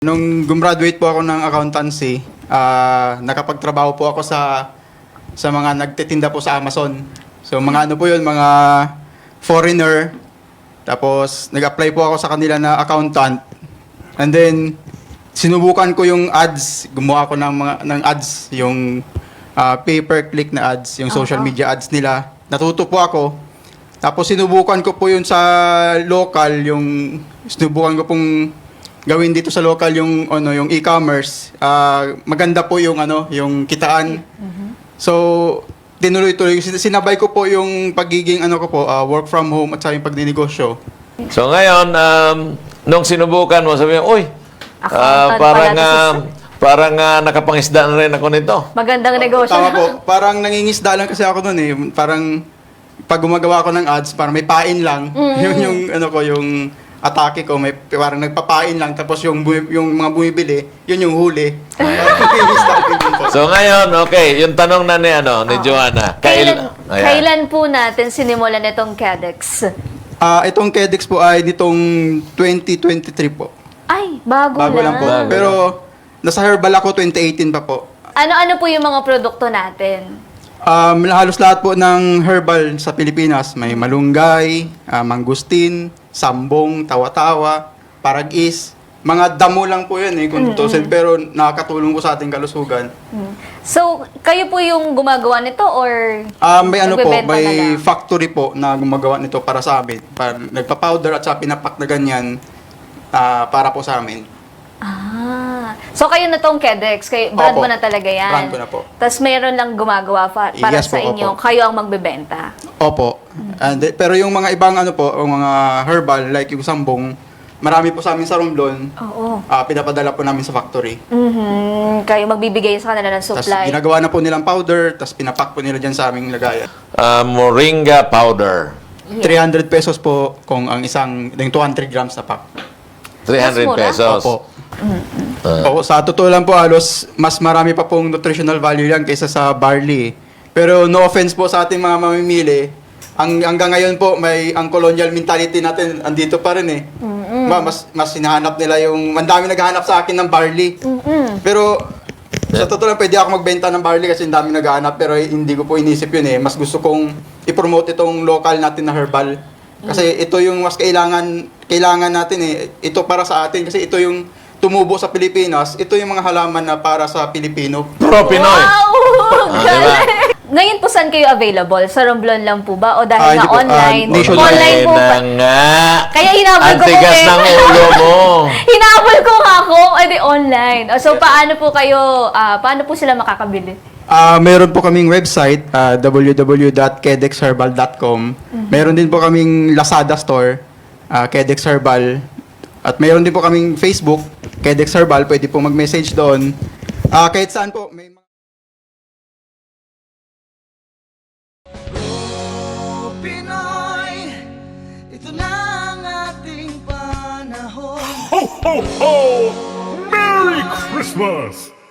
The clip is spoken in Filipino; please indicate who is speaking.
Speaker 1: Nung gumraduate po ako ng accountancy, nakapagtrabaho po ako sa mga nagtitinda po sa Amazon. So mga ano po yun, mga foreigner. Tapos nag-apply po ako sa kanila na accountant. And then sinubukan ko yung ads, gumawa ako ng ads, yung pay-per-click na ads, yung social media ads nila. Natuto po ako. Tapos sinubukan ko po yun sa local, yung sinubukan ko pong gawin dito sa local yung yung e-commerce. Maganda po yung yung kitaan. So tinuloy-tuloy sinabay ko po yung pagiging work from home at sa yung pagninegosyo.
Speaker 2: So ngayon, nung sinubukan mo, sabi mo, uy, parang nakapangisda na rin ako nito.
Speaker 3: Magandang negosyo.
Speaker 1: Tama po. Parang nangingisda lang kasi ako noon eh. Parang pag gumagawa ko ng ads, parang may pain lang. Yun yung yung atake ko, may parang nagpapain lang, tapos yung mga bumibili, yun yung huli.
Speaker 2: So ngayon, okay, yung tanong na ni Joanna.
Speaker 3: Kailan po natin sinimulan itong KEDEX?
Speaker 1: Itong KEDEX po ay nitong 2023 po.
Speaker 3: Ay, bago
Speaker 1: lang po.
Speaker 2: Bago
Speaker 1: Pero nasa Herbal ako 2018 pa po.
Speaker 3: Ano-ano po yung mga produkto natin?
Speaker 1: Halos lahat po ng herbal sa Pilipinas. May malunggay, mangustin, sambong, tawa-tawa, paragis. Mga damo lang po yun kung tutusin, pero nakakatulong po sa ating kalusugan.
Speaker 3: So, kayo po yung gumagawa nito or
Speaker 1: May
Speaker 3: nagbebenta na
Speaker 1: may
Speaker 3: lang?
Speaker 1: factory po na gumagawa nito para sa amin. Nagpa-powder at sa pinapak na ganyan para po sa amin.
Speaker 3: So kayo na tong KEDEX, brand
Speaker 1: Opo.
Speaker 3: mo na talaga yan?
Speaker 1: Brand ko na po.
Speaker 3: Tapos mayroon lang gumagawa para
Speaker 1: Yes
Speaker 3: sa
Speaker 1: po,
Speaker 3: inyo,
Speaker 1: opo.
Speaker 3: kayo ang magbebenta?
Speaker 1: Opo. Pero yung mga ibang yung mga herbal, like yung sambong, marami po sa amin sa Romblon.
Speaker 3: Oo.
Speaker 1: Pinapadala po namin sa factory.
Speaker 3: Kayo magbibigay sa kanila ng
Speaker 1: Tapos
Speaker 3: supply?
Speaker 1: ginagawa na po nilang powder, tapos pinapak po nila dyan sa aming lagayan.
Speaker 2: Moringa powder.
Speaker 1: 300 pesos po kung ang yung 200 grams na pack.
Speaker 2: 300
Speaker 3: mura?
Speaker 2: pesos.
Speaker 1: Opo. Oo, sa totoo lang po, halos mas marami pa pong nutritional value yan kaysa sa barley. Pero no offense po sa ating mga mamimili, hanggang ngayon po, ang colonial mentality natin andito pa rin eh. Mas hinahanap nila ang dami naghahanap sa akin ng barley. Pero sa totoo lang, pwede ako magbenta ng barley kasi ang dami naghahanap, pero hindi ko po inisip yun eh. Mas gusto kong i-promote itong local natin na herbal. Kasi ito yung mas kailangan natin eh. Ito para sa atin kasi ito yung tumubo sa Pilipinas. Ito yung mga halaman na para sa Pilipino.
Speaker 2: Pro Pinoy.
Speaker 3: Wow!
Speaker 2: Diba?
Speaker 3: Ngayon po saan kayo available? Sa Romblon lang po ba? O dahil
Speaker 1: Hindi
Speaker 3: nga
Speaker 1: po.
Speaker 3: online?
Speaker 1: Nationwide.
Speaker 3: Online po ba?
Speaker 2: nga.
Speaker 3: Kaya hinabol ko
Speaker 2: Antigas
Speaker 3: po
Speaker 2: ng ulo mo.
Speaker 3: Hinabol ko nga ako. Edi online. So paano po sila makakabili?
Speaker 1: Meron po kaming website, www.kedexherbal.com. Meron din po kaming Lazada store, Kedex Herbal. At meron din po kaming Facebook, Kedex Herbal. Pwede po mag-message doon. Kahit saan po, may
Speaker 4: Pinoy, ito na ang ating panahon.
Speaker 5: Ho, ho, ho! Merry Christmas!